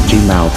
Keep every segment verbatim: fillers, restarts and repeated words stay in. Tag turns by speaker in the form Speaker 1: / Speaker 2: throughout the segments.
Speaker 1: Gmouth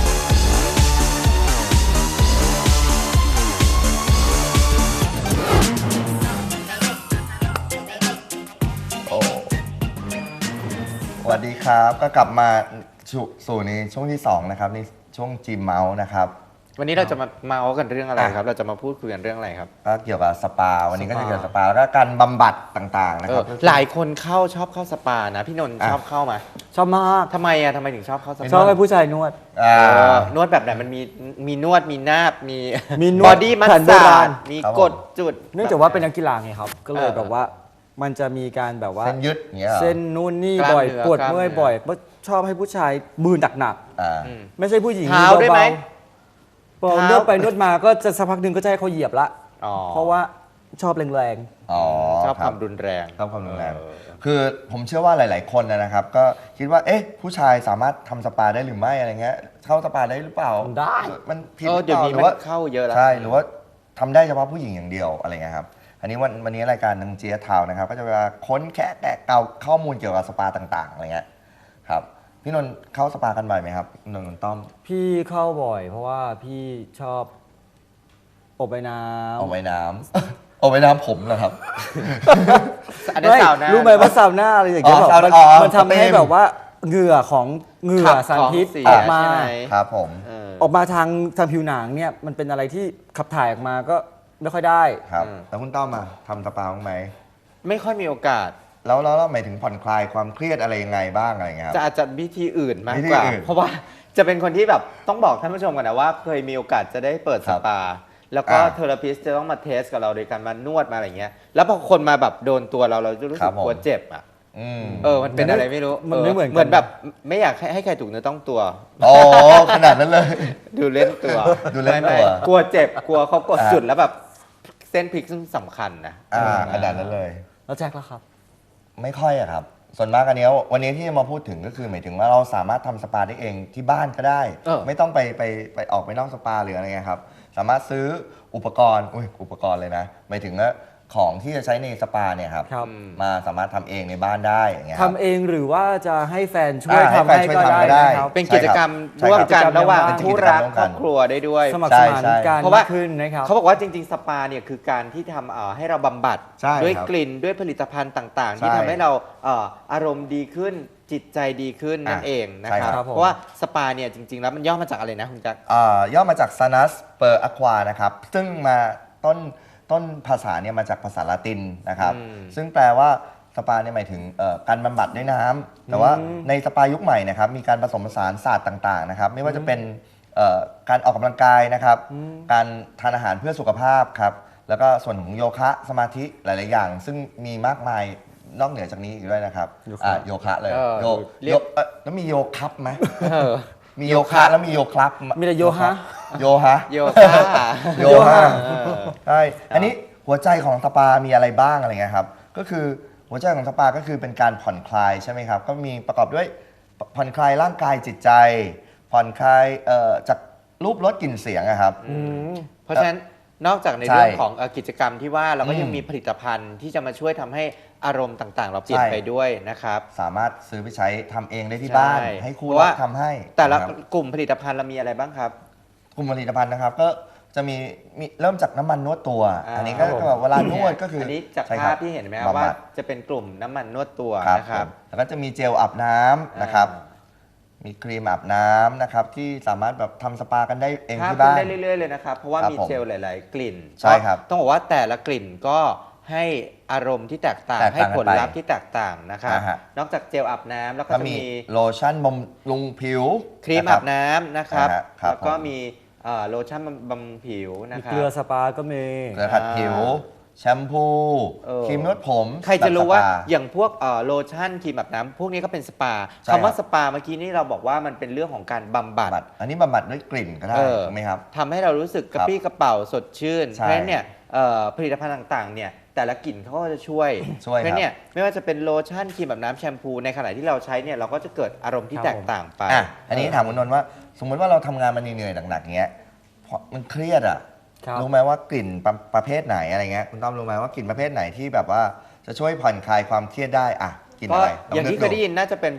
Speaker 2: โอ้สวัสดีครับก็กลับมาสู่สู่ในช่วงที่สองนะครับในช่วง Gmouth นะครับ
Speaker 3: วันนี้เราจะมาเมาส์กันเรื่องอะไรครับ เราจะมาพูดคุยกันเรื่องอะไรครับ
Speaker 2: ก็เกี่ยวกับสปาวันนี้ก็
Speaker 3: สปา
Speaker 2: จะเกี่ยวกับสปาแล้วก็การบำบัดต่างๆนะ
Speaker 3: เอ
Speaker 2: ครั
Speaker 3: อบ หลายคนเข้าชอบเข้าสปานะพี่นนท์
Speaker 2: อ่ะ
Speaker 3: ชอบเข้ามา
Speaker 4: ชอบมาก
Speaker 3: ทำไมอ่ะทำไมถึงชอบเข้าสปา
Speaker 4: ชอบให้ผู้ชายนวด
Speaker 2: อ่า
Speaker 3: เออนวดแบบไหนมันมีมีนวดมีนาบมี
Speaker 4: มีน
Speaker 3: บ
Speaker 4: ว
Speaker 3: อ
Speaker 4: ด
Speaker 3: ดี้มัส
Speaker 4: แผนโบ
Speaker 3: ซา
Speaker 4: รา
Speaker 3: จ
Speaker 4: ณ
Speaker 3: มี
Speaker 2: ครับผม
Speaker 3: กดจุด
Speaker 4: เนื่องจากว่าเป็นนักกีฬาไงครับ ก็เลย
Speaker 3: เออ
Speaker 4: แบบว่ามันจะมีการแบบว่า
Speaker 2: เส้นยึดอย่างเงี้ยเหรอ
Speaker 4: เส้นนู่นนี่
Speaker 3: กล้าม
Speaker 4: บ่อย
Speaker 3: เนื้อ
Speaker 4: ปวด
Speaker 3: กล้าม
Speaker 4: เมื่อย
Speaker 3: เนื้อ
Speaker 4: บ่อยชอบให้ผู้ชายมือหนัก
Speaker 2: อ่า
Speaker 3: อืม
Speaker 4: ๆไม่ใช่ผู้หญิง
Speaker 3: เท้าด้วยไหม
Speaker 4: เบาๆพอ
Speaker 3: เท้า
Speaker 4: นวดไปนวดมาก็จะสักพักหนึ่งก็จะให้เขาเหยียบละ
Speaker 3: อ๋อ
Speaker 4: เพราะว่าชอบแรง
Speaker 2: อ๋อ
Speaker 3: ชอบ
Speaker 2: ค
Speaker 3: ครับ วามรุนแรง
Speaker 2: ชอบความรุนแรง
Speaker 3: เออ
Speaker 2: คือผมเชื่อว่าหลาย ๆ คนนะครับ ก็คิดว่าเอ๊ะผู้ชายสามารถทำสปาได้หรือไม่อะไรเงี้ยเข้าสปาได้หรือเปล่า
Speaker 4: ๆได้
Speaker 2: มันผิด
Speaker 3: เอ
Speaker 2: ห
Speaker 3: อ
Speaker 2: รือ
Speaker 3: เดี๋ยว
Speaker 2: เปล่า
Speaker 3: นี้
Speaker 2: หรื
Speaker 3: มั
Speaker 2: อว่า
Speaker 3: นเข้าเยอะแล้ว
Speaker 2: ใช่หรือว่าทำได้เฉพาะผู้หญิงอย่างเดียวอะไรเงี้ยครับอันนี้วันวันนี้รายการนังเจียทาวนะครับก็จะมาค้นแคะแกะเกาข้อมูลเกี่ยวกับสปาต่าง ๆ อะไรเงี้ยครับพี่นนท์เข้าสปากันบ่อยไหมครับนนท์ต้อม
Speaker 4: พี่เข้าบ่อย เพราะว่าพี่ชอบอบไอ้น้ำ
Speaker 2: เอาไว้น้ำ เอาไว้น้ำผมนะครับ
Speaker 3: อันนี้
Speaker 4: ไม่
Speaker 3: สาวนะ
Speaker 4: รู้ไหมว่าซาวน่าอะไรอย่างเงี้ย
Speaker 2: อ๋อ
Speaker 4: แบบมัน
Speaker 2: ซาวน่าอ๋อ
Speaker 4: มันทำให้
Speaker 2: เต็ม
Speaker 4: แบบว่าเหงื่อของเหงื่อ
Speaker 3: ขับ
Speaker 4: สารพิษ
Speaker 3: ของเสีย
Speaker 4: ออกมา
Speaker 3: ใช่ไหม
Speaker 2: ครับผม
Speaker 3: เออ
Speaker 4: ออกมาทางทางผิวหนังเนี่ยมันเป็นอะไรที่ขับถ่ายออกมาก็ไม่ค่อยได้
Speaker 2: ครับ
Speaker 3: อืม
Speaker 2: แล้วคุณต้อมมาทำสปาบ้างไหม
Speaker 3: ไม่ค่อยมีโอกาส
Speaker 2: แล้วแล้วแล้วหมายถึงผ่อนคลายความเครียดอะไรยังไงบ้างอะไรเงี้ยครับ
Speaker 3: จะอาจจะวิธีอื่นมาก
Speaker 2: วิธี
Speaker 3: กว่า
Speaker 2: อื่น
Speaker 3: เพราะว่าจะเป็นคนที่แบบต้องบอกท่านผู้ชมกันนะว่าเคยมีโอกาสจะได้เปิด
Speaker 2: ค
Speaker 3: ส
Speaker 2: รับ
Speaker 3: ปา แล้วก็
Speaker 2: อ่า
Speaker 3: เทอราพิสจะต้องมาเทสกับเราโดยการมานวดมาอะไรเงี้ยแล้วพอคนมาแบบโดนตัวเราเราจะรู้
Speaker 2: ครั
Speaker 3: สึ
Speaker 2: บ
Speaker 3: ก
Speaker 2: ผม
Speaker 3: กลัวเจ็บอ่ะ
Speaker 2: อืม
Speaker 3: เออมันเป็นอะไรไม่รู้
Speaker 4: มันไม่เหมือนกัน
Speaker 3: เหมือนแบบไม่อยากให้ให้ใครถูกเนื้อต้องตัว
Speaker 2: โอ้ขนาดนั้นเลย
Speaker 3: ดูเล่นตัว
Speaker 2: ดูเล่นตัว
Speaker 3: ไม่ไม่กลัวเจ็บกลัวเขากด
Speaker 2: อ่า
Speaker 3: จุดแล้วแบบเส้นพลิกซึ่งสำคัญนะ
Speaker 2: อ่าขนาดนั้นเลย
Speaker 4: แล้วแจ็คล่ะครับ
Speaker 2: ไม่ค่อยอะครับ ส่วนมากอันเนี้ยวันนี้ที่จะมาพูดถึงก็คือหมายถึงว่าเราสามารถทำสปาได้เองที่บ้านก็ได้
Speaker 3: เออ
Speaker 2: ไม่ต้องไปไปไปออกไปนอกสปาหรืออะไรเงี้ยครับ สามารถซื้ออุปกรณ์อุ้ยอุปกรณ์เลยนะหมายถึงว่าของที่จะใช้ในสปาเนี่ยครับ
Speaker 4: ครับ
Speaker 2: มาสามารถทำเองในบ้านได้อย่างเงี้ยค
Speaker 4: ทำ
Speaker 2: รับ
Speaker 4: เองหรือว่าจะให้แฟนช่วย
Speaker 2: อ่าให้
Speaker 4: ทำ
Speaker 2: แฟน
Speaker 4: ให้
Speaker 2: ช่วย
Speaker 4: ก็
Speaker 2: ทำก็ได้
Speaker 4: ได้นะครับ
Speaker 3: เป็นกิจกรรม
Speaker 2: ใช่
Speaker 3: ร่ว
Speaker 2: ค
Speaker 3: ม
Speaker 2: รับ
Speaker 3: กัน
Speaker 4: กิจกรรม
Speaker 3: ระหว่าง
Speaker 4: ในบ้าน
Speaker 3: คู่รัก
Speaker 2: เป็นกิจกรรมร่วม
Speaker 3: ค
Speaker 2: กั
Speaker 3: รอน บครัวได้ด้วย
Speaker 4: สมัคร
Speaker 2: ใช่
Speaker 4: สมาน
Speaker 2: ใช่
Speaker 4: กัน
Speaker 3: เพราะว่า
Speaker 4: มากขึ้นนะครับ
Speaker 3: เขาบอกว่าจริง ๆ สปาเนี่ยคือการที่ทำเอ่อให้เราบำบัด
Speaker 2: ใช่
Speaker 3: ด้วย
Speaker 2: ครับ
Speaker 3: กลิ่นด้วยผลิตภัณฑ์ต่าง ๆ ที่
Speaker 2: ใช่
Speaker 3: ทำให้เราเอ่ออารมณ์ดีขึ้นจิตใจดีขึ้นนั่น
Speaker 2: อ่ะ
Speaker 3: เองนะ
Speaker 2: ใช่
Speaker 3: ครับ
Speaker 2: ครับ
Speaker 4: ผม
Speaker 3: เพราะว่าสปาเนี่ยจริง ๆ แล้วมันย่อมาจากอะไรนะคุณจักร
Speaker 2: อ่าย่อมาจาก Sanus per aqua นะครับ ซึ่งมาต้นต้นภาษาเนี่ยมาจากภาษาละตินนะครับ
Speaker 3: อืม
Speaker 2: ซึ่งแปลว่าสปาเนี่ยหมายถึงเอ่อการบำบัดด้วยน้ำแต่ว่าในสปายุคใหม่นะครับมีการผสมผสานศาสตร์ต่างๆนะครับไม่ว่าจะเป็นเอ่อการออกกำลังกายนะครับ การทานอาหารเพื่อสุขภาพครับแล้วก็ส่วนของโยคะสมาธิหลายๆอย่าง ซึ่งมีมากมายนอกเหนือจากนี้อีกด้วยนะครับ
Speaker 4: โยคะ
Speaker 2: อ่ะโยคะเลย
Speaker 3: เออ
Speaker 2: โย
Speaker 3: เรีย
Speaker 2: โย
Speaker 3: ก
Speaker 2: เอ่อแล้วมีโยคับไหม
Speaker 3: เออ
Speaker 2: มีโยคะแล้วมีโยครับ
Speaker 4: มีแต่โยฮะ
Speaker 2: โยฮะ
Speaker 3: โยคะ
Speaker 2: โยฮะ
Speaker 3: เออ
Speaker 2: ใช่ อันนี้หัวใจของสปา มีอะไรบ้างอะไรเงี้ยครับ ก็คือหัวใจของสปาก็คือเป็นการผ่อนคลายใช่ไหมครับ ก็มีประกอบด้วยผ่อนคลายร่างกายจิตใจ ผ่อนคลายเอ่อจากรูปรสกลิ่นเสียงอะครับ
Speaker 3: เพราะฉะนั้นนอกจากใน
Speaker 2: ใช่
Speaker 3: เรื่องของเอ่อกิจกรรมที่ว่าเราก็ยัง
Speaker 2: อืม
Speaker 3: มีผลิตภัณฑ์ที่จะมาช่วยทำให้อารมณ์ต่าง ๆ เราเปลี่ยน
Speaker 2: ใช่
Speaker 3: ไปด้วยนะครับ
Speaker 2: สามารถซื้อไปใช้ทำเองได้ที่บ้าน
Speaker 3: ใช่
Speaker 2: ให้คู่
Speaker 3: เพราะ
Speaker 2: รั
Speaker 3: ว่า
Speaker 2: กทำให้
Speaker 3: แต่ละ
Speaker 2: นะครับ
Speaker 3: กลุ่มผลิตภัณฑ์เรามีอะไรบ้างครับ
Speaker 2: กลุ่มผลิตภัณฑ์นะครับ ก็จะมีมีเริ่มจากน้ำมันนวดตัว
Speaker 3: อ่า
Speaker 2: อันนี้ก็ก็แบบเวลานวดก็คือ
Speaker 3: อั
Speaker 2: อั
Speaker 3: นนี้จาก
Speaker 2: ใช่
Speaker 3: ภา
Speaker 2: ค
Speaker 3: พ
Speaker 2: บ
Speaker 3: ที่เห็นไหมครับ
Speaker 2: บำ
Speaker 3: ว่า
Speaker 2: บัด
Speaker 3: จะเป็นกลุ่มน้ำมันนวดตัว
Speaker 2: ครับ
Speaker 3: นะครับ
Speaker 2: ผมแล้วก็จะมีเจลอาบน้ำนะครับ
Speaker 3: อ่า
Speaker 2: มีครีมอาบน้ำนะครับที่สามารถแบบทำสปากันได้เอง
Speaker 3: ภาพ
Speaker 2: ที่
Speaker 3: ขึ้น
Speaker 2: บ้าน
Speaker 3: ได้เรื่อยๆเลยนะครับเพราะว่า
Speaker 2: ครับ
Speaker 3: มี
Speaker 2: ผม
Speaker 3: เจลหลาย ๆ กลิ่น
Speaker 2: ใช่ครับ
Speaker 3: ต้องบอกว่าแต่ละกลิ่นก็ให้อารมณ์ที่แตกต่าง
Speaker 2: แตก
Speaker 3: ให้
Speaker 2: ต่างกัน
Speaker 3: ผลลัพธ์ที่แตกต่างนะครับ
Speaker 2: อ่าฮะ
Speaker 3: นอกจากเจลอาบน้ำแล้วก็
Speaker 2: ก็
Speaker 3: จะ
Speaker 2: มี
Speaker 3: มี
Speaker 2: โลชั่นบำรุงผิว
Speaker 3: ครีม
Speaker 2: นะ
Speaker 3: อาบน้ำนะครับ
Speaker 2: อ่าฮะครับ
Speaker 3: แล้วก็
Speaker 2: ผม
Speaker 3: มีเอ่อโลชั่นบำรุงผิวนะ
Speaker 4: มี
Speaker 3: ครั
Speaker 4: เกลือบ สปาก็มี
Speaker 2: เกลือขัดผิว แชมพู
Speaker 3: เออ
Speaker 2: ครีมนวดผม
Speaker 3: ใครจะรู้ว่า
Speaker 2: แบบสป
Speaker 3: อย่างพวกเอ่อโลชั่นครีมอาบน้ำพวกนี้ก็เป็นสปา
Speaker 2: ใช่
Speaker 3: คำว่า
Speaker 2: ครับ
Speaker 3: สปาเมื่อกี้นี่เราบอกว่ามันเป็นเรื่องของการบำบัด
Speaker 2: บำบัดอันนี้บำบัดด้วยกลิ่นก็ได้
Speaker 3: เออ
Speaker 2: ถูกไหมครับ
Speaker 3: ทำให้เรารู้สึกกระปรี้กระเป๋าสดชื่น
Speaker 2: ใช่
Speaker 3: เพราะฉะนั้นเนี่ยเอ่อผลิตภัณฑ์ต่างๆเนี่ยแต่ละกลิ่นเขาก็จะช่วย
Speaker 2: ช่วย
Speaker 3: เพราะฉะนั้นเนี่ยไม่ว่าจะเป็นโลชั่นครีมอาบน้ำแชมพูในขณะที่เราใช้เนี่ยเราก็จะเกิดอารมณ์ที่
Speaker 4: ครับ
Speaker 3: แตกต่างไป
Speaker 2: อ่ะอันนี้ถามคุณนนท์ว่า สมมติว่าเราทำงานมาเหนื่อยๆหนักๆเงี้ยพอมันเครียดอ่ะ
Speaker 4: ครับ
Speaker 2: รู้ไหมว่ากลิ่นประประเภทไหนอะไรเงี้ยคุณต้อมรู้ไหมว่ากลิ่นประเภทไหนที่แบบว่าจะช่วยผ่อนคลายความเครียดได้อ่ะกลิ่น
Speaker 3: ก็
Speaker 2: อะไรล
Speaker 3: อย่างที่
Speaker 2: นึก
Speaker 3: เคยได้ยินน่าจะเป็นพวก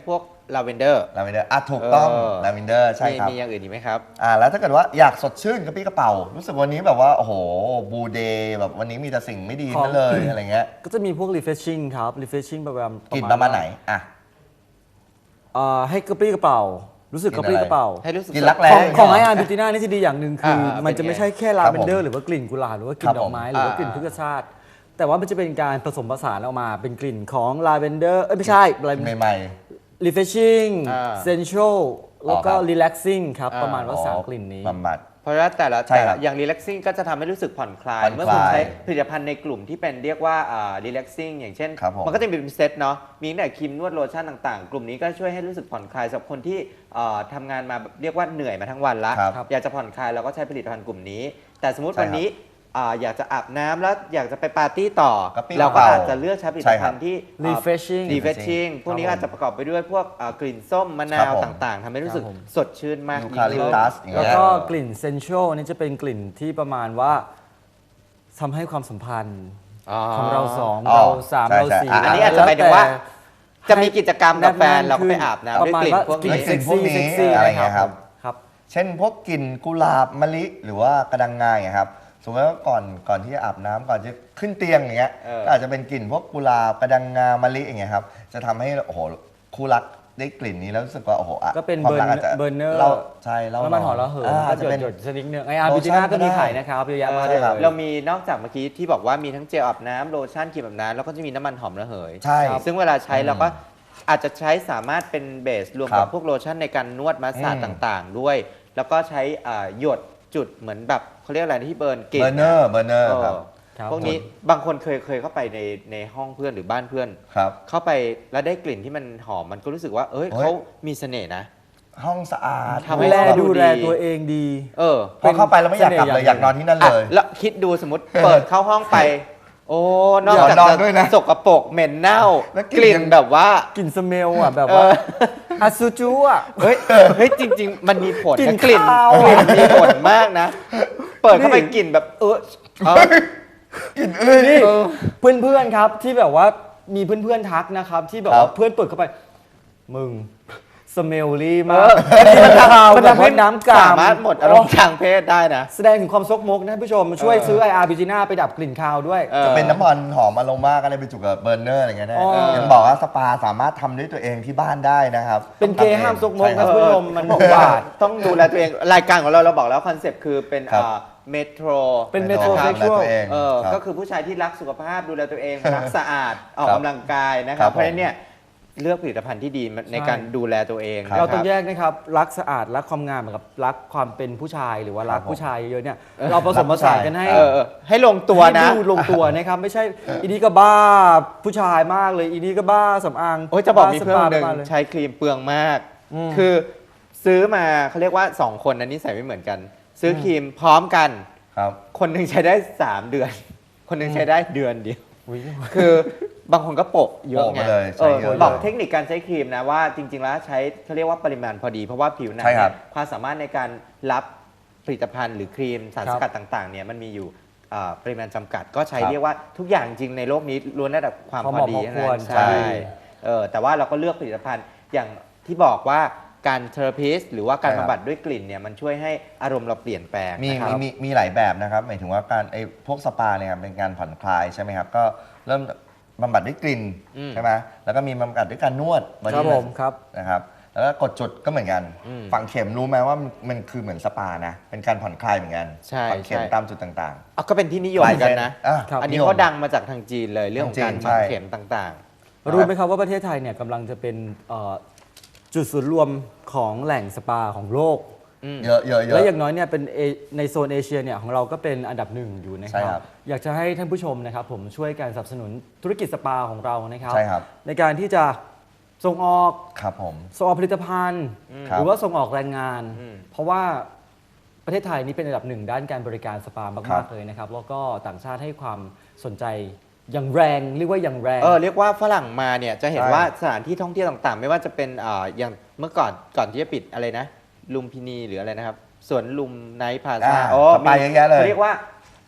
Speaker 3: ลาเวนเดอร์
Speaker 2: ลาเวนเดอร์อ่ะถูกต้อง
Speaker 3: เออ
Speaker 2: ลาเวนเดอร์ใช่ครับ
Speaker 3: มีอย่างอื่นอีกไหมครับ
Speaker 2: อ่าแล้วถ้าเกิดว่าอยากสดชื่นกระปี้กระเป๋า รู้สึกวันนี้แบบว่า โอ้โหบูเดย์แบบวันนี้มีแต่สิ่งไม่ดีนั่นเลยอะไรเงี้ย
Speaker 4: ก็จะมีพวก refreshing ครับ refreshing ประมาณ
Speaker 2: กินประมาณไหนอ่ะ
Speaker 4: เอ่อให้กระปรี้กระเป๋า รู้สึกกระปรี้กระเป๋า
Speaker 3: ให้รู้สึก
Speaker 2: กินรักแร้
Speaker 4: ของ
Speaker 2: ย่า
Speaker 4: ของ
Speaker 2: เย
Speaker 4: ไอ
Speaker 2: เหร
Speaker 4: อาร์บิวตี้น่านี่จะดีอย่างหนึ่งคืออา มันจะไม่ใช่แค่ลา
Speaker 2: ครับ
Speaker 4: เว
Speaker 2: ผม
Speaker 4: นเดอร์หรือว่ากลิ่นกุหลาบหรือว่ากลิ่
Speaker 2: ครั
Speaker 4: น
Speaker 2: บ
Speaker 4: ดอกไม้
Speaker 3: ผม
Speaker 4: หรือว่า
Speaker 3: อ่าก
Speaker 4: ลิ่นพฤกษชาติ แต่ว่ามันจะเป็นการผสมผสานออกมาเป็นกลิ่นของลาเวนเดอร์เอ้ยไม่ใช่อะไร
Speaker 2: ใหม่
Speaker 4: refreshing
Speaker 3: อ่า
Speaker 4: sensual แล้วก็
Speaker 2: อ๋อครับ
Speaker 4: relaxing ครับ
Speaker 3: อ่า
Speaker 4: ประมาณ
Speaker 2: ๆ
Speaker 4: ว่า
Speaker 2: อ๋อ
Speaker 4: สามกลิ่นนี้
Speaker 2: บำบัด
Speaker 3: เพราะว่าแต่ละ
Speaker 2: ใช่
Speaker 3: แต่
Speaker 2: ครั
Speaker 3: ละ
Speaker 2: บ
Speaker 3: อย่าง relaxing ก็จะทำให้รู้สึกผ่อนคลาย
Speaker 2: ผ่อนคลาย
Speaker 3: เมื่อคุณใช้ผลิตภัณฑ์ในกลุ่มที่เป็นเรียกว่าอ่า relaxing อย่างเช่น
Speaker 2: ครับผม
Speaker 3: มันก็จะมีเป็นเซตเนาะมีตั้งแต่ครีมนวดโลชั่นต่างๆ กลุ่มนี้ก็ช่วยให้รู้สึกผ่อนคลายสำหรับคนที่อ่าทำงานมาแบบเรียกว่าเหนื่อยมาทั้งวันละ
Speaker 2: ครับ
Speaker 3: อยากจะผ่อนคลายเราก็ใช้ผลิตภัณฑ์กลุ่มนี้ แต่สมมติ
Speaker 2: ใช่ครับ
Speaker 3: วันนี้อ่าอยากจะอาบน้ำแล้วอยากจะไปปาร์ตี้ต่อก
Speaker 2: ระปรี้
Speaker 3: เราก็
Speaker 2: กระเป๋า
Speaker 3: อาจจะเลือกใช้ผลิตภัณฑ์ที่อ่า
Speaker 4: refreshing
Speaker 3: refreshing พวกนี้
Speaker 2: ครับผม
Speaker 3: อาจจะประกอบไปด้วยพวกอ่ากลิ่นส้มมะนา
Speaker 2: ครั
Speaker 3: ว
Speaker 2: บผม
Speaker 3: ต่างๆทำให้รู้สึก
Speaker 4: ครับผม
Speaker 3: สดชื่นมาก
Speaker 2: ยู
Speaker 3: ยิ่
Speaker 2: คาง ลิ
Speaker 3: ขึ้
Speaker 2: ป
Speaker 3: น
Speaker 2: ตัสอย่าง
Speaker 4: แล้ว
Speaker 2: เงี้ย
Speaker 4: ก็กลิ่น sensual นี่จะเป็นกลิ่นที่ประมาณว่าทำให้ความสัมพันธ์
Speaker 3: อ๋อ
Speaker 4: ของเราสอง
Speaker 2: อ๋อ
Speaker 4: เราสาม
Speaker 2: ใช่
Speaker 4: เรา
Speaker 2: ใช่
Speaker 4: สี่
Speaker 2: อ่ะ
Speaker 3: อันนี้อาจจะหมายถึงว่า จะมีกิจกรรมกับแฟนเราก็ไปอาบน้ำด้วยกลิ่นพวก
Speaker 4: กลิ่
Speaker 3: นี้
Speaker 4: นเซ็กซี่
Speaker 2: กลิ่นพวกนี้
Speaker 4: เซ็กซี่
Speaker 2: อะไรเงี้ยครับ
Speaker 4: ครับ
Speaker 2: เช่นพวกกลิ่นกุหลาบมะลิหรือว่ากระดังงาอย่างเงี้ยครับสมมติว่าก่อนก่อนที่จะอาบน้ำก่อนจะขึ้นเตียงอย่างเงี้ย
Speaker 3: เออ
Speaker 2: ก็อาจจะเป็นกลิ่นพวกกุหลาบกระดังงามะลิอย่างเงี้ยครับจะทำให้โอ้โหคู่รักได้กลิ่นนี้แล้วรู้สึกว่าโอ้โหอ่ะ
Speaker 4: ก็เป็น
Speaker 2: ความ
Speaker 4: เบอ
Speaker 2: รั
Speaker 4: ร์
Speaker 2: อาจจะ
Speaker 4: เบอร์เนอร์
Speaker 2: เราใช่เรา
Speaker 4: น้ำมันหอมระเหย
Speaker 2: อ่า
Speaker 4: ก็
Speaker 2: อาจจะ
Speaker 4: หย
Speaker 2: เป็น
Speaker 4: ดหยดชนิดนึงไออาร์
Speaker 2: โล
Speaker 4: บิ
Speaker 2: ชั่
Speaker 4: จิ
Speaker 2: น
Speaker 4: น่าก็มี
Speaker 2: ก็ได้
Speaker 4: ขายนะครับเยอะแยะมาก
Speaker 3: เอ
Speaker 4: เล
Speaker 3: อย
Speaker 2: ครับ
Speaker 3: เรามีนอกจากเมื่อกี้ที่บอกว่ามีทั้งเจลอาบน้ำโลชั่นครีมอาบน้ำแล้วก็จะมีน้ำมันหอมระเหย
Speaker 2: ใช่
Speaker 3: ซึ่งเวลาใช้
Speaker 2: อืม
Speaker 3: เราก็อาจจะใช้สามารถเป็นเบสรวม
Speaker 2: ครั
Speaker 3: กับบ พวกโลชั่นในการนวดมาสซาจ
Speaker 2: อืม
Speaker 3: ต่างๆ ด้วย แล้วก็ใช้อ่าหยดจุดเหมือนแบบเขาเรียกอะไรที่เบิร์นกลิ่น
Speaker 2: เบอร์เนอร์เบอร์เนอร์
Speaker 3: เออ
Speaker 2: ครับ
Speaker 4: ครับ
Speaker 3: พวกนี้บางคนเคยเคยเข้าไปในในห้องเพื่อนหรือบ้านเพื่อน
Speaker 2: ครับ
Speaker 3: เข้าไปแล้วได้กลิ่นที่มันหอมมันก็รู้สึกว่า เอ้ย
Speaker 2: เฮ้ย
Speaker 3: เขามีเสน่ห์นะ
Speaker 2: ห้องสะอาด
Speaker 3: ทำให้
Speaker 4: ดูแล
Speaker 3: เราดู
Speaker 4: ดูแล
Speaker 3: ดี
Speaker 4: ตัวเองดี
Speaker 3: เออ
Speaker 2: พอเข้าไปแล้วไม่อยากกลับเลยอยากนอนที่นั่นเลย
Speaker 3: อ่ะแล้วคิดดูสมมติ เปิดเข้าห้องไป โอ้นอกจาก
Speaker 2: เดี๋ยวนอน
Speaker 3: จะ
Speaker 2: ด้วยนะ
Speaker 3: สกปรกเหม็นเน่า
Speaker 2: แล้วก
Speaker 3: ก
Speaker 2: ลิ่
Speaker 3: ลิ่
Speaker 2: น
Speaker 3: น
Speaker 2: ยัง
Speaker 3: แบบว่า
Speaker 4: กลิ่นสเมลอ่ะแบบว่า
Speaker 3: เออ
Speaker 4: อาซูจูอ่ะ
Speaker 3: เฮ้ยเฮ้ยจริง ๆ มันมีผล
Speaker 4: กลิ่
Speaker 3: นะ
Speaker 4: น
Speaker 3: กลิ่น
Speaker 4: คาว
Speaker 3: กลิ่นมีผลมากนะ เปิดเข้าไป
Speaker 4: นี่
Speaker 3: กลิ่นแบบเออเออ
Speaker 4: นี่เพื่อนๆครับที่แบบว่ามีเพื่อนๆทักนะครับ ที่แบบ
Speaker 2: ครั
Speaker 4: ว่า
Speaker 2: บ
Speaker 4: เพื่อนเปิดเข้าไป มึงสเมลลี่
Speaker 3: เอ
Speaker 4: มาก
Speaker 3: อ
Speaker 4: ที่มันคาว
Speaker 3: มัน
Speaker 4: แบบ
Speaker 3: ทำให้
Speaker 4: ว่าน้ำกาม
Speaker 3: สามารถหมดอารมณ์ทางเพศได้นะ
Speaker 4: แสดงถึงความซกมกนะผู้ชมช่วย
Speaker 3: เออ
Speaker 4: ซื้อ ไอ อาร์ บิจิน่าไปดับกลิ่นคาวด้วย
Speaker 3: ออ
Speaker 2: จะเป็นน้ำมันหอมอโรมาก็ได้ไปจุกกับเบอร์เนอร์อะไรเงี้ยได้
Speaker 4: อ๋อ
Speaker 2: เห็นบอกว่าสปาสามารถทำด้วยตัวเองที่บ้านได้นะครับ
Speaker 4: เป็นเกย์ห้ามซกมก
Speaker 2: ใช่ค
Speaker 4: นะ
Speaker 2: รับ
Speaker 4: ผู้ชมมัน
Speaker 3: บอกว่าต้องดูแลตัวเอง รายการของเราเราบอกแล้วคอนเซปต์คือเป็น
Speaker 2: ครับ
Speaker 3: เมโทร
Speaker 4: เป็น
Speaker 2: ไม่ต้อง
Speaker 4: metrosexual
Speaker 2: ดูแลตัวเอง
Speaker 3: เออ
Speaker 2: ครับ
Speaker 3: ก็คือผู้ชายที่รักสุขภาพดูแลตัวเอง รักสะอาด ออก
Speaker 2: ครับ
Speaker 3: กำลังกายนะค
Speaker 2: ครั
Speaker 3: รับ
Speaker 2: บ
Speaker 3: เพราะฉะนั้นเนี่ยเลือกผลิตภัณฑ์ที่ดีในการดูแลตัวเอง
Speaker 2: ครับ
Speaker 4: เราต้อง
Speaker 3: นะคบ
Speaker 4: แยกนะครับ รักสะอาดรักความงามกับรักความเป็นผู้ชายหรือว่ารัก
Speaker 2: ครับผม
Speaker 4: ผู้ชายเยอะๆเนี่ยเราผสมผสานกันให้
Speaker 3: เออเออให้ลงตัวนะ
Speaker 4: ให้ดูลงตัวนะครับ ไม่ใช่อีนี่ก็บ้าผู้ชายมากเลยอีนี่ก็บ้าสำอาง
Speaker 3: โอ้ยจะบอกมีเพื่อน
Speaker 4: บ้า
Speaker 3: คนหนึ่ง
Speaker 4: สปาบ้าเลย
Speaker 3: ใช้ครีมเปลืองมาก
Speaker 4: อืม
Speaker 3: คือซื้อมาเขาเรียกว่า สอง คนนั้นนิสัยไม่เหมือนกัน ซื้อครีมพร้อมกัน
Speaker 2: ครับ
Speaker 3: คนหนึ่งใช้ได้ สาม เดือน คนหนึ่งใช้ได้เดือนเดียว
Speaker 4: อุ๊ย
Speaker 3: คือบางคนก็โปะเยอะ
Speaker 2: โปะ
Speaker 3: ไง
Speaker 2: มาเลย
Speaker 3: เอ
Speaker 2: ใช้
Speaker 3: อ
Speaker 2: เยอะเลย
Speaker 3: บอกเทคนิคการใช้ครีมนะว่าจริง ๆ แล้วใช้เขาเรียกว่าปริมาณพอดี เพราะว่าผิวหนัง
Speaker 2: ใช่ครั
Speaker 3: เนี่
Speaker 2: บ
Speaker 3: ยความสามารถในการรับผลิตภัณฑ์หรือครีมสาร
Speaker 4: ครั
Speaker 3: ส
Speaker 4: บ
Speaker 3: กัดต่างๆเนี่ยมันมีอยู่อ่าปริมาณจำกัด ก็ใช้
Speaker 2: ครับ
Speaker 3: เรียกว่าทุกอย่างจริงในโลกนี้ล้วนได้แต่ความ
Speaker 4: พอ
Speaker 3: พ
Speaker 4: เห
Speaker 3: อ
Speaker 4: มาะ
Speaker 3: ดี
Speaker 4: พอ
Speaker 3: เท่า
Speaker 4: คว
Speaker 3: นั้
Speaker 4: ร
Speaker 3: น
Speaker 4: ใช่
Speaker 3: ใช่เออแต่ว่าเราก็เลือกผลิตภัณฑ์อย่างที่บอกว่าการเทอราพิสหรือว่าการ
Speaker 2: ใช่ครับ
Speaker 3: บำบัดด้วยกลิ่นเนี่ยมันช่วยให้อารมณ์เราเปลี่ยนแปลง
Speaker 2: มี
Speaker 3: นะค
Speaker 2: มี
Speaker 3: รับ
Speaker 2: มีมีหลายแบบนะครับหมายถึงว่าการไอ้พวกสปาเนี่ยครับเป็นการผ่อนคลายใช่ไหมครับก็เริ่มบำบัดด้วยกลิ่น
Speaker 3: อืม
Speaker 2: ใช่ไหมแล้วก็มีบำบัดด้วยการนวด
Speaker 4: ครับ
Speaker 2: body
Speaker 4: ผมครับ
Speaker 2: นะครับแล้วก็กดจุดก็เหมือนกัน
Speaker 3: อืม
Speaker 2: ฝังเข็มรู้ไหมว่ามันมันคือเหมือนสปานะเป็นการผ่อนคลายเหมือนกัน
Speaker 3: ใช่
Speaker 2: ฝังเข็ม
Speaker 3: ใช่
Speaker 2: ตามจุดต่าง
Speaker 3: อ่ะก็เป็นที่นิยมกันนะ
Speaker 2: ๆอ่ะ
Speaker 4: ครับ
Speaker 3: อันนี้
Speaker 2: ยม
Speaker 3: เขาดังมาจากทางจีนเลยเรื่องของการ
Speaker 2: ทางจีน
Speaker 3: ฝัง
Speaker 2: ใช่
Speaker 3: เข็มต่าง
Speaker 4: รู้ไหมครับว่าประเทศไทยเนี่ยกำลังจะเป็นเอ่อจุดศูนย์รวมของแหล่งสปาของโลก
Speaker 3: ๆอืม
Speaker 2: เยอะเยอะเย
Speaker 4: และ
Speaker 2: อะ
Speaker 4: อย่างน้อยเนี่ยเป็นเอในโซนเอเชียเนี่ยของเราก็เป็นอันดับหนึ่งอยู่นะค
Speaker 2: ใช่
Speaker 4: รั
Speaker 2: ครับ บ
Speaker 4: อยากจะให้ท่านผู้ชมนะครับผมช่วยการสนับสนุนธุรกิจสปาของเรานะครับ
Speaker 2: ใช่ครับ
Speaker 4: ในการที่จะส่งออก
Speaker 2: ครับผม
Speaker 4: ส่งออกผลิตภัณฑ์
Speaker 2: ครั
Speaker 4: ห
Speaker 2: บ
Speaker 4: รือว่าส่งออกแรงงาน
Speaker 3: อืม
Speaker 4: เพราะว่าประเทศไทยนี่เป็นอันดับหนึ่งด้านการบริการสปา
Speaker 2: ครั
Speaker 4: มาก
Speaker 2: บ
Speaker 4: ๆเลยนะครับแล้วก็ต่างชาติให้ความสนใจอย่างแรงเรียกว่าอย่างแรง
Speaker 3: เออเรียกว่าฝรั่งมาเนี่ยจะเห็น
Speaker 2: ใช่
Speaker 3: ว่าสถานที่ท่องเที่ยวต่างๆ ไม่ว่าจะเป็นอ่าอย่างเมื่อก่อนก่อนที่จะปิดอะไรนะลุมพินีหรืออะไรนะครับสวนลุมไนท์พลาซ่า
Speaker 2: อ่า
Speaker 3: โอ้
Speaker 2: สปาเยอะแยะเลย
Speaker 3: เขาเรียกว่า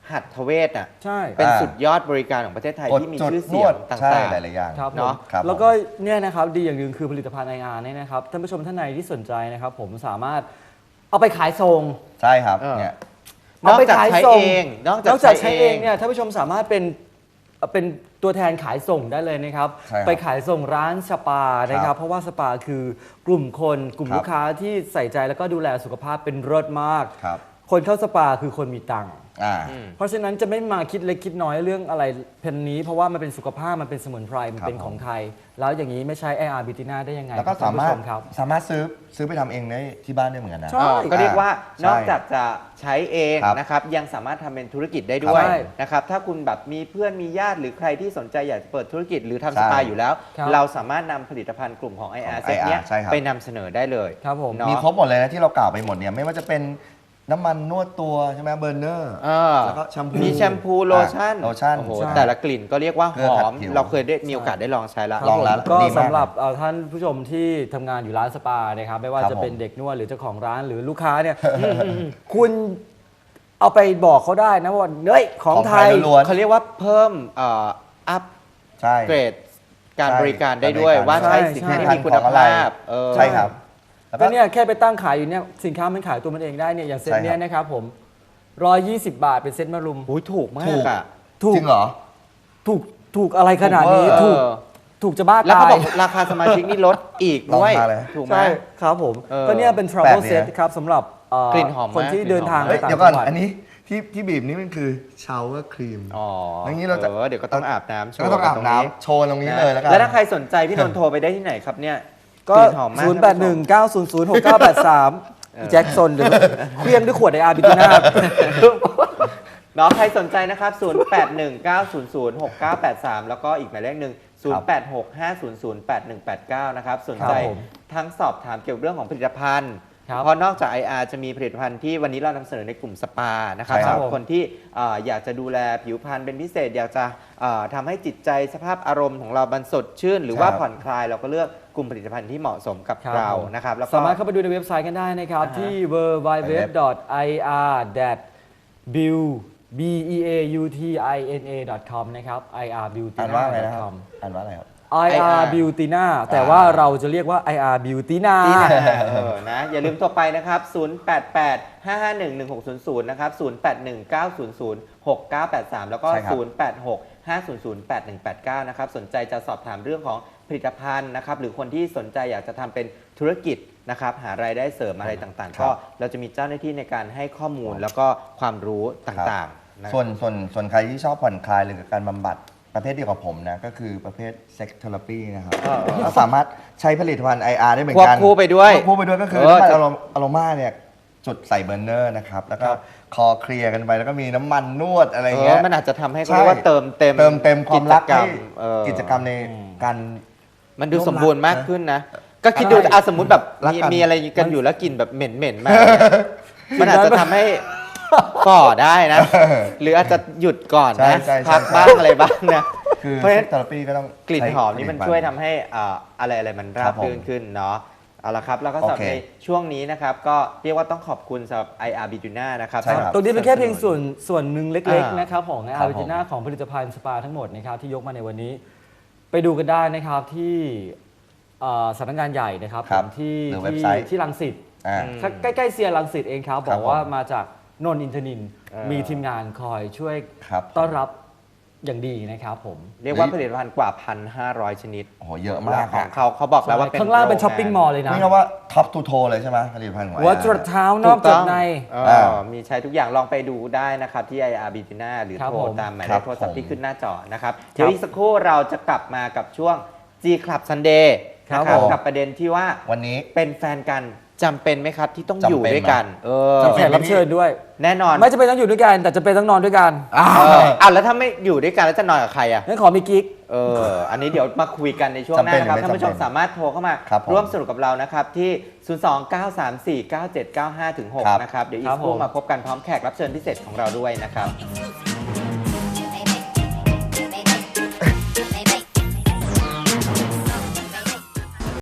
Speaker 3: หัตถเวชอ่ะ
Speaker 4: ใช่
Speaker 3: เป็น
Speaker 2: อ่า
Speaker 3: สุดยอดบริการของประเทศไทย
Speaker 2: กด
Speaker 3: ที่มี
Speaker 2: จุด
Speaker 3: ชื่อน เสี
Speaker 2: วย
Speaker 3: ง
Speaker 2: ด
Speaker 3: ต
Speaker 2: ใช่
Speaker 3: ่าง
Speaker 2: หลายๆอย่าง
Speaker 4: ครับผม
Speaker 3: เนาะ
Speaker 2: ครับ
Speaker 4: แล้วก็เนี่ยนะครับดีอย่างหนึ่งคือผลิตภัณฑ์ ไอ อาร์ เนี่ยนะครับท่านผู้ชมท่านใดที่สนใจนะครับผมสามารถเอาไปขายส่ง
Speaker 2: ใช่ครับ
Speaker 3: เออ
Speaker 2: เนี่ย
Speaker 3: นอกจากใช้เองนอก
Speaker 4: น
Speaker 3: จาก
Speaker 4: อกจากใช้
Speaker 3: ใช้
Speaker 4: เอ
Speaker 3: เอง ง
Speaker 4: เนี่ยท่านผู้ชมสามารถเป็นเป็นตัวแทนขายส่งได้เลยนะครับ
Speaker 2: ใช่ครับ
Speaker 4: ไปขายส่งร้านสปานะค
Speaker 2: ครั
Speaker 4: รับบ เพราะว่าสปาคือกลุ่มคนกลุ่ม
Speaker 2: ครับ
Speaker 4: ลูกค้าที่ใส่ใจแล้วก็ดูแลสุขภาพเป็นรสมาก
Speaker 2: ครับ
Speaker 4: คนเข้าสปาคือคนมีตังค์
Speaker 2: อ่า
Speaker 4: เพราะฉะนั้นจะไม่มาคิดเล็กคิดน้อยเรื่องอะไรเพนนี้ เพราะว่ามันเป็นสุขภาพมันเป็นสมุนไพรมันเป็น
Speaker 2: ครับ
Speaker 4: ของไทย แล้วอย่างนี้ไม่ใช้ ไอ อาร์ Bitina ได้ยังไง
Speaker 2: แล้วก็
Speaker 4: คบ
Speaker 2: สามารถ
Speaker 4: ท่นผู้ชครับ
Speaker 2: สามารถซื้อซื้อไปทำเองได้ที่บ้านได้เหมือนกันนะ
Speaker 4: ใช่
Speaker 3: เออก็เรียกว่า
Speaker 2: ใช่
Speaker 3: นอกจากจะใช้เอง
Speaker 2: ครับ
Speaker 3: นะครับยังสามารถทำเป็นธุรกิจได้ด้วย
Speaker 4: ใช่
Speaker 3: นะครับถ้าคุณแบบมีเพื่อนมีญาติหรือใครที่สนใจอยากจะเปิดธุรกิจหรือทำ
Speaker 2: ใช่
Speaker 3: สปาอยู่แล้ว
Speaker 4: ครับ
Speaker 3: เราสามารถนำผลิตภัณฑ์กลุ่มของ ไอ อาร์
Speaker 2: ของ
Speaker 3: เซตเนี้ย
Speaker 2: ไอ อาร์ ใช่ครับ
Speaker 3: ไปนำเสนอได้เลย
Speaker 4: ครับผม
Speaker 3: เนาะ
Speaker 2: มีครบหมดเลยนะที่เรากล่าวไปหมดเนี่ยไม่ว่าจะเป็นน้ำมันนวดตัวใช่ไหมเบอร์เนอร์
Speaker 3: เออ
Speaker 2: แล้วก็แชมพู
Speaker 3: มีแชมพูโลชั่น
Speaker 2: โลชั่น
Speaker 3: โอ้โห
Speaker 2: ใช่
Speaker 3: แต่ละกลิ่นก็เรียกว่าห
Speaker 2: เครื่อง
Speaker 3: อ
Speaker 2: ขัด
Speaker 3: ม
Speaker 2: ผิว
Speaker 3: เราเคยได้มีโอกาสได้ลองใช้แล้ว
Speaker 2: ลองแล้ว
Speaker 4: ก็
Speaker 2: ดีมาก
Speaker 4: สำหรับเอ่อท่านผู้ชมที่ทำงานอยู่ร้านสปานะครับไม่ว่า
Speaker 2: ครับ
Speaker 4: จะเป็น
Speaker 2: ผม
Speaker 4: เด็กนวดหรือเจ้าของร้านหรือลูกค้าเนี่ย คุณเอาไปบอกเขาได้นะว่าเฮ้ยของไทย
Speaker 2: ล้วน
Speaker 3: เขาเรียกว่าเพิ่มเอ่ออัพ
Speaker 2: ใช่
Speaker 3: เกรดการ
Speaker 2: ใช่
Speaker 3: บริการได้ด้วย
Speaker 2: การบริการ
Speaker 3: ว่าใช้
Speaker 4: ใช่
Speaker 3: สิน
Speaker 4: ใช่
Speaker 3: ค้าที่มีคุณภาพเออ
Speaker 2: ใช่ครับแล้ว
Speaker 4: ก็
Speaker 2: ก็
Speaker 4: เนี่ยแค่ไปตั้งขายอยู่เนี่ยสินค้ามันขายตัวมันเองได้เนี่ยอย่างเซ็ต
Speaker 2: ใช่ครับ
Speaker 4: เนี้ยนะครับผมร้อยยี่สิบบาทเป็นเซ็ตมารุม
Speaker 3: โอ้ยถูกมา
Speaker 2: ถู
Speaker 3: ก
Speaker 2: ก
Speaker 3: อ่ะ
Speaker 4: ถูก
Speaker 2: จริงเหรอ
Speaker 4: ถูกถูกอะไรขนาดนี้
Speaker 2: ถูกเวอร์
Speaker 4: ถูก
Speaker 3: เออ
Speaker 4: ถูกจะบ้า
Speaker 3: แล้ว
Speaker 4: ตา
Speaker 3: เขา
Speaker 4: ย
Speaker 3: บอกราคาสมาชิกนี่ลดอีกด้วย
Speaker 2: ลองมาเลย
Speaker 3: ถูกไหม
Speaker 4: ใช่ครับผม
Speaker 3: เออ
Speaker 4: ก็เนี่ยเป็น
Speaker 2: แปล
Speaker 4: travel
Speaker 2: กดี
Speaker 4: set
Speaker 2: นะ
Speaker 4: ครับสำหรับเอ่อก
Speaker 3: ลิ่นหอมมาก
Speaker 4: คนที่เดินทาง
Speaker 3: กลิ่
Speaker 4: ไป
Speaker 3: นหอม
Speaker 2: เฮ้ย
Speaker 4: ต่าง
Speaker 2: เดี๋ยวก่อน
Speaker 4: จังหวัด
Speaker 2: อันนี้ที่ที่บีบนี่มันคือชาวเวอร์ครีม
Speaker 3: อ๋อ
Speaker 2: อย่างนี้เราจะ
Speaker 3: ออเดี๋ยวก็ต้องอาบน้ำโชว์
Speaker 2: ก็ต้องอาบ
Speaker 3: ตรง
Speaker 2: น้ำโชว์ตรงนี้เลยแล้วกัน
Speaker 3: แล้วถ้าใครสนใจพี่นนท์โทรไปได้ที่ไหนครับเนี่ย
Speaker 4: ก็
Speaker 3: กลิ่นหอมมาก
Speaker 4: ศูนย์ แปด หนึ่ง เก้า ศูนย์ ศูนย์ หก เก้า แปด สามแจ็คซนหรือเครื่องด้วยขวดไออาร์บิทูน่า
Speaker 3: เนาะใครสนใจนะครับ ศูนย์ แปด หนึ่ง เก้า ศูนย์ ศูนย์ หก เก้า แปด สาม แล้วก็อีกหมายเลขหนึ่ง ศูนย์ แปด หก ห้า ศูนย์ ศูนย์ แปด หนึ่ง แปด เก้า นะครับ สนใจ
Speaker 4: ครับผม
Speaker 3: ทั้งสอบถามเกี่ยวกับเรื่องของผลิตภัณฑ์
Speaker 4: ครับ
Speaker 3: เพราะนอกจาก ไอ อาร์ จะมีผลิตภัณฑ์ที่วันนี้เรานำเสนอในกลุ่มสปา นะครับ
Speaker 2: ใช่ครับ
Speaker 3: สำหรับคนที่เอ่ออยากจะดูแลผิวพรรณเป็นพิเศษ อยากจะเอ่อทำให้จิตใจสภาพอารมณ์ของเราบันสดชื่น หรือว่า
Speaker 2: ครับ
Speaker 3: ผ่อนคลายเราก็เลือกกลุ่มผลิตภัณฑ์ที่เหมาะสมกับ
Speaker 4: ครับ
Speaker 3: เรา
Speaker 4: ผม
Speaker 3: นะครับแล้วก็
Speaker 4: สามารถเข้าไปดูในเว็บไซต์กันได้นะครับ
Speaker 3: อ่าฮะ
Speaker 4: ที่ ดับเบิลยู ดับเบิลยู ดับเบิลยู ดอท ไอ อาร์ บิว บี อี เอ ยู ที ไอ เอ็น เอ ดอท คอม นะครับ ไอ อาร์ บิวติ
Speaker 2: อ่าน
Speaker 4: น่า
Speaker 2: ว่าอะไร
Speaker 4: ดอ
Speaker 2: นะ
Speaker 4: ท
Speaker 2: ค
Speaker 4: ค
Speaker 2: รั
Speaker 4: อบ ม
Speaker 2: อ่านว่าอะไรครับ
Speaker 4: ไอ อาร์ Beautina แต่ว่าเราจะเรียกว่า ไอ อาร์ Beautina
Speaker 3: ที่ไหนเออนะอย่าลืมโทรไปนะครับ ศูนย์ แปด แปด ห้า ห้า หนึ่ง หนึ่ง หก ศูนย์ ศูนย์ นะครับ ศูนย์ แปด หนึ่ง เก้า ศูนย์ ศูนย์ หก เก้า แปด สาม แล้วก็
Speaker 2: ใช่ครับ
Speaker 3: ศูนย์ แปด หก ห้า ศูนย์ ศูนย์ แปด หนึ่ง แปด เก้า นะครับ สนใจจะสอบถามเรื่องของผลิตภัณฑ์นะครับ หรือคนที่สนใจอยากจะทำเป็นธุรกิจนะครับ หารายได้เสริมอะไรต่างๆ ก็เราจะมีเจ้าหน้าที่ในการให้ข้อมูลแล้วก็ความรู้ต่างๆนะ
Speaker 2: ส่วนส่วนส่วนใครที่ชอบผ่อนคลายหรือการบำบัดประเภทเดียวกับผมนะ ก็คือประเภทเซ็กเทอราปีนะครับก็สามารถใช้ผลิตภัณฑ์ ไอ อาร์ ได้เหมือน
Speaker 3: ควบ
Speaker 2: กัน
Speaker 3: คู่ไปด้วย
Speaker 2: ควบคู่ไปด้วยก็คือ
Speaker 3: เออ
Speaker 2: น้ำมัน
Speaker 3: จะ
Speaker 2: อะโรอะโรมาเนี่ยจุดใส่เบอร์เนอร์นะครับ แล้วก็
Speaker 3: ครับ
Speaker 2: คอเคลียร์กันไปแล้วก็มีน้ำมันนวดอะไร
Speaker 3: เอ
Speaker 2: เงี้
Speaker 3: อย มันอาจจะทำให้เขา
Speaker 2: ใช่
Speaker 3: เรียกว่าเติมเต็ม
Speaker 2: เติมเต็มความรัก
Speaker 3: จรร
Speaker 2: ให้
Speaker 3: มเออ
Speaker 2: กิจกรรมในการ
Speaker 3: มันดูสมบูรณ์มากขึ้นนะ ก็คิดดู
Speaker 2: ใช่
Speaker 3: อาสมมติแบบ
Speaker 2: รัก
Speaker 3: มี
Speaker 2: กัน
Speaker 3: มีอะไรกันอยู่แล้วกลิ่นแบบเหม็นเหม็นๆมากเนี่ยมันอาจจะทำให้ฝ่อได้นะ หรืออาจจะหยุดก่อน
Speaker 2: ใช่
Speaker 3: นะ
Speaker 2: ใช่ใช่
Speaker 3: พักบ้างอะไรบ้างนะ
Speaker 2: คือ
Speaker 3: เพราะฉะ
Speaker 2: เซ็
Speaker 3: นั้
Speaker 2: ก
Speaker 3: น
Speaker 2: เทอราปีก็ต้อง
Speaker 3: กลิ่น
Speaker 2: ใช้
Speaker 3: หอมนี่มัน
Speaker 2: ผลิตภัณฑ์
Speaker 3: ช่วยทำให้อ่าอะไรอะไรมันรา
Speaker 2: ครับ บผม
Speaker 3: รื่นขึ้นเนาะเอาละครับแล้วก็สำหรับ
Speaker 2: โอเค
Speaker 3: ในช่วงนี้นะครับก็เรียกว่าต้องขอบคุณสำหรับ ไอ อาร์ Bitina นะครับ
Speaker 2: ใช่ครับ
Speaker 4: ตรงนี้เป็นแค่เพียงส่วนส่วนหนึ่งเล็ก
Speaker 3: อ่า
Speaker 4: ๆ นะครับของไอ
Speaker 2: ครั
Speaker 4: อา
Speaker 2: บ
Speaker 4: ร์ Beautina ของผลิตภัณฑ์สปาทั้งหมดนะครับที่ยกมาในวันนี้ ไปดูกันได้นะครับที่เอ่อสำนักงานใหญ่นะครับ
Speaker 2: ครับ
Speaker 4: ผมที่
Speaker 2: หรือเว็บ
Speaker 4: ที่
Speaker 2: ไซต์
Speaker 4: ที่รังสิต
Speaker 2: อ่า
Speaker 3: อืม
Speaker 4: ใกล้ๆเซียรังสิตเองครับ
Speaker 2: ครับ
Speaker 4: บอกว่า
Speaker 2: ผม
Speaker 4: มาจากนนท์อินทนินท์
Speaker 3: เออ
Speaker 4: มีทีมงานคอยช่วย
Speaker 2: ครับ
Speaker 4: ต้อนรับอย่างดีนะครับผม
Speaker 3: เรียกว่าผลิตภัณฑ์กว่า พันห้าร้อย ชนิด
Speaker 2: โอ้โหเยอะมาก
Speaker 3: ขอ
Speaker 2: อะ
Speaker 3: งเขาเขาบอกแล้วว่าเป็น
Speaker 4: ข้างล่างเป็น
Speaker 3: โร
Speaker 4: ช้อปปิ้งมอลล์เลยนะ
Speaker 2: นี่เรียกว่าท็อปทูโทเลยใช่ไหมผลิตภัณฑ์ของ
Speaker 4: หัว
Speaker 2: ไออาร์
Speaker 4: จรดเท้าน
Speaker 3: ถู
Speaker 4: อก
Speaker 3: ต้
Speaker 4: จา
Speaker 3: อก ง
Speaker 4: ใน
Speaker 3: เออ
Speaker 2: อ่า
Speaker 3: มีใช้ทุกอย่างลองไปดูได้นะครับที่ ไอ อาร์ Bitina หรือ
Speaker 4: ครับ
Speaker 3: โทร
Speaker 4: ผม
Speaker 3: ตามหมาย
Speaker 2: ค
Speaker 3: เล
Speaker 2: รับ
Speaker 3: ขโทรศัพท์
Speaker 2: ผม
Speaker 3: ที่ขึ้นหน้าจอนะครับเดี๋ยวอีกสักครู่เราจะกลับมากับช่วง G Club Sunday
Speaker 4: ครับ
Speaker 3: นะครับ
Speaker 4: ผม
Speaker 3: กับประเด็นที่ว่า
Speaker 2: วันนี้
Speaker 3: เป็นแฟนกันจำเป็นไหมครับที่ต้อง
Speaker 2: จำเป็น
Speaker 3: อยู่ด้วยกัน เออ
Speaker 2: จำ
Speaker 4: แข
Speaker 2: เป็น
Speaker 4: กรับเชิญด้วย
Speaker 3: แน่นอน
Speaker 4: ไม่จะเป็นต้องอยู่ด้วยกัน แต่จะเป็นต้องนอนด้วยกัน
Speaker 2: อ่า
Speaker 3: เออเอาแล้วถ้าไม่อยู่ด้วยกันแล้วจะนอนกับใครอ่ะ
Speaker 4: งั้นขอมีกิ๊ก
Speaker 3: เออ อันนี้เดี๋ยวมาคุยกันในช่วงหน้า
Speaker 2: จำเป็น
Speaker 3: นะครับ
Speaker 2: หรือไม่
Speaker 3: ท่านผู้ชม
Speaker 2: จำเป็น
Speaker 3: สามารถโทรเข้ามา
Speaker 2: ครับผม
Speaker 3: ร่วมสนุกกับเรานะครับ ที่ ศูนย์ สอง เก้า สาม สี่ เก้า เจ็ด เก้า ห้า หก
Speaker 2: ครับ
Speaker 3: นะครับ เดี๋ยวอี
Speaker 4: ครั
Speaker 3: ก
Speaker 4: บ
Speaker 3: สักครู่
Speaker 4: ผม
Speaker 3: มาพบกันพร้อมแขกรับเชิญพิเศษของเราด้วยนะครับ